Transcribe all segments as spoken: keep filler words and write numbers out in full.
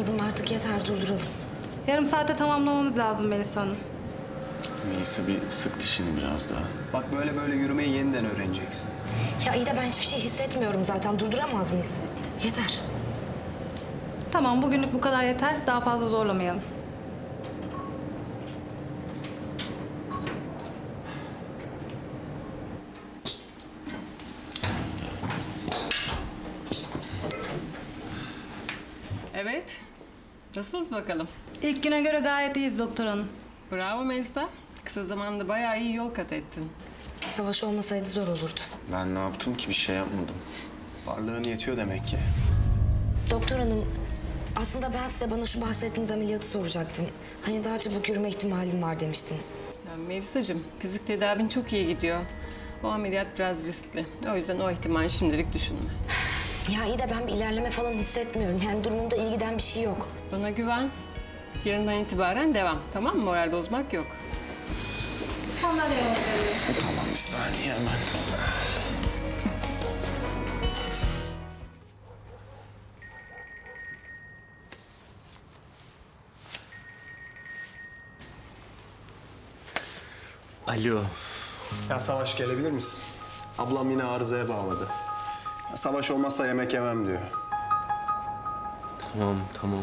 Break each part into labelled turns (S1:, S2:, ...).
S1: Anladım, artık yeter, durduralım.
S2: Yarım saate tamamlamamız lazım Melisa Hanım.
S3: Melisa bir sık dişini biraz daha.
S4: Bak böyle böyle yürümeyi yeniden öğreneceksin.
S1: Ya iyi de ben hiçbir şey hissetmiyorum zaten. Durduramaz mıyız? Yeter.
S2: Tamam, bugünlük bu kadar yeter. Daha fazla zorlamayalım.
S5: Evet. Nasılsınız bakalım?
S2: İlk güne göre gayet iyiyiz doktor hanım.
S5: Bravo Melisa. Kısa zamanda bayağı iyi yol kat ettin.
S1: Savaş olmasaydı zor olurdu.
S3: Ben ne yaptım ki? Bir şey yapmadım.
S4: Varlığın yetiyor demek ki.
S1: Doktor hanım, aslında ben size bana şu bahsettiğiniz ameliyatı soracaktım. Hani daha çabuk yürüme ihtimalim var demiştiniz.
S5: Ya Melisa'cığım, fizik tedavin çok iyi gidiyor. O ameliyat biraz riskli. O yüzden o ihtimali şimdilik düşünme.
S1: Ya iyi de ben bir ilerleme falan hissetmiyorum. Yani durumumda iyi giden bir şey yok.
S5: Bana güven. Yarından itibaren devam. Tamam mı? Moral bozmak yok.
S3: Tamam, bir saniye hemen. Alo.
S4: Ya Savaş gelebilir misin? Ablam yine arızaya bağladı. Ya Savaş olmazsa yemek yemem diyor.
S3: Tamam, tamam.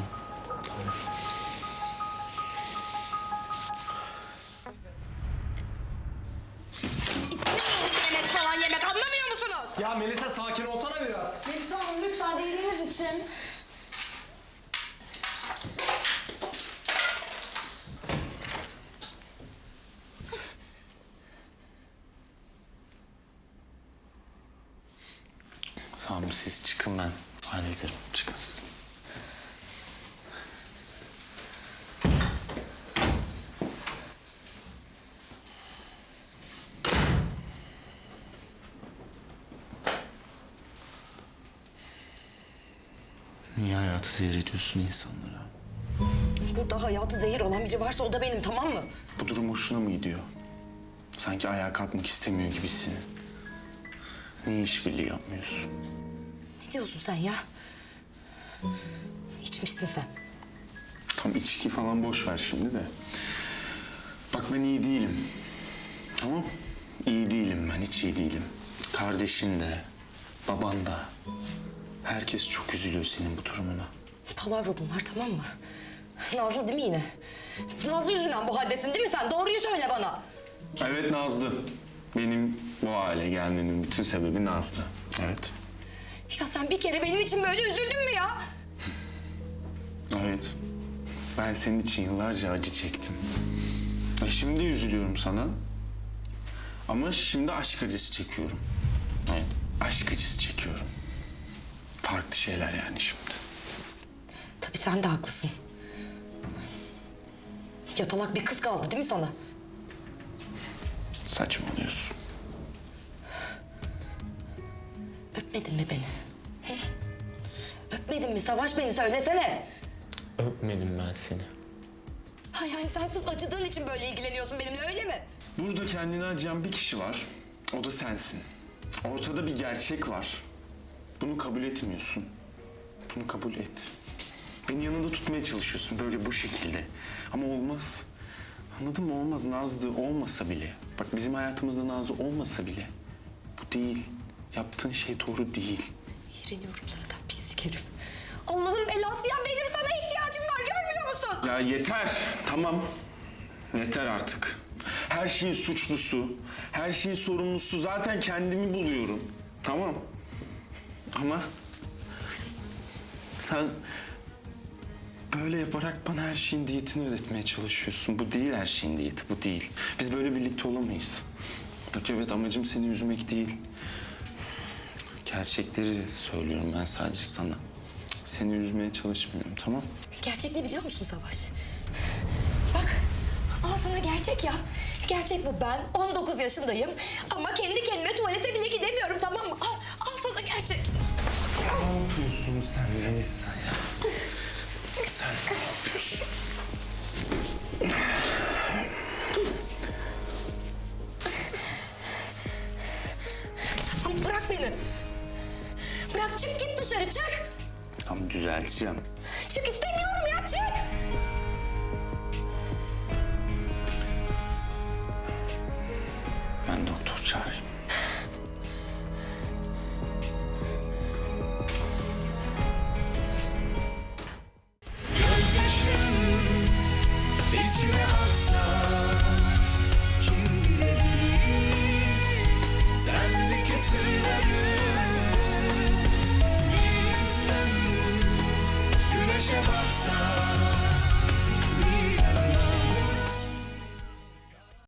S1: Yemek falan yemek anlamıyor musunuz?
S4: Ya Melisa sakin olsana biraz.
S2: Melisa Hanım lütfen iyiliğiniz için.
S3: Tamam, siz çıkın, ben hallederim. Çıkın siz. Niye hayatı zehir ediyorsun insanlara?
S1: Burada hayatı zehir olan biri varsa o da benim, tamam mı?
S3: Bu durum hoşuna mı gidiyor? Sanki ayağa kalkmak istemiyor gibisin. Niye işbirliği yapmıyorsun?
S1: Ne diyorsun sen ya? İçmişsin sen.
S3: Tam içki falan boş ver şimdi de. Bak ben iyi değilim. Tamam? İyi değilim ben, hiç iyi değilim. Kardeşin de, baban da. Herkes çok üzülüyor senin bu durumuna.
S1: Palavra bunlar, tamam mı? Nazlı değil mi yine? Nazlı yüzünden bu haldesin değil mi sen? Doğruyu söyle bana.
S3: Evet, Nazlı. Benim bu hale gelmemin bütün sebebi Nazlı. Evet.
S1: Ya sen bir kere benim için böyle üzüldün mü ya?
S3: Evet. Ben senin için yıllarca acı çektim. E şimdi üzülüyorum sana. Ama şimdi aşk acısı çekiyorum. Evet, aşk acısı çekiyorum. Farklı şeyler yani şimdi.
S1: Tabii sen de haklısın. Yatalak bir kız kaldı değil mi sana?
S3: Saçmalıyorsun.
S1: Öpmedin mi beni? Hı? Öpmedin mi? Savaş, beni söylesene.
S3: Öpmedim ben seni.
S1: Ha yani sen sırf acıdığın için böyle ilgileniyorsun benimle, öyle mi?
S3: Burada kendini acıyan bir kişi var. O da sensin. Ortada bir gerçek var. Bunu kabul etmiyorsun. Bunu kabul et. Beni yanında tutmaya çalışıyorsun böyle bu şekilde. Ama olmaz. Anladın mı? Olmaz. Nazlı olmasa bile. Bak bizim hayatımızda Nazlı olmasa bile. Bu değil. Yaptığın şey doğru değil.
S1: İğreniyorum zaten, pislik herif. Allah'ın belası ya, benim sana ihtiyacım var, görmüyor musun?
S3: Ya yeter. Tamam. Yeter artık. Her şeyin suçlusu, her şeyin sorumlusu zaten kendimi buluyorum. Tamam. Ama sen böyle yaparak bana her şeyin diyetini ödetmeye çalışıyorsun. Bu değil her şeyin diyeti, bu değil. Biz böyle birlikte olamayız. Bak evet, amacım seni üzmek değil. Gerçekleri söylüyorum ben sadece sana. Seni üzmeye çalışmıyorum, tamam?
S1: Gerçek ne biliyor musun Savaş? Bak, al sana gerçek ya. Gerçek bu, ben on dokuz yaşındayım ama kendi kendime tuvalete bile gidemiyorum, tamam mı? Al, al sana gerçek.
S3: Ne yapıyorsun sen Melisa ya? Sen ne yapıyorsun?
S1: Tamam, bırak beni. Bırak, çık git dışarı, çık.
S6: Tamam düzelteceğim.
S1: Çık istemiyorum ya çık.
S6: Ben doktor çağırayım.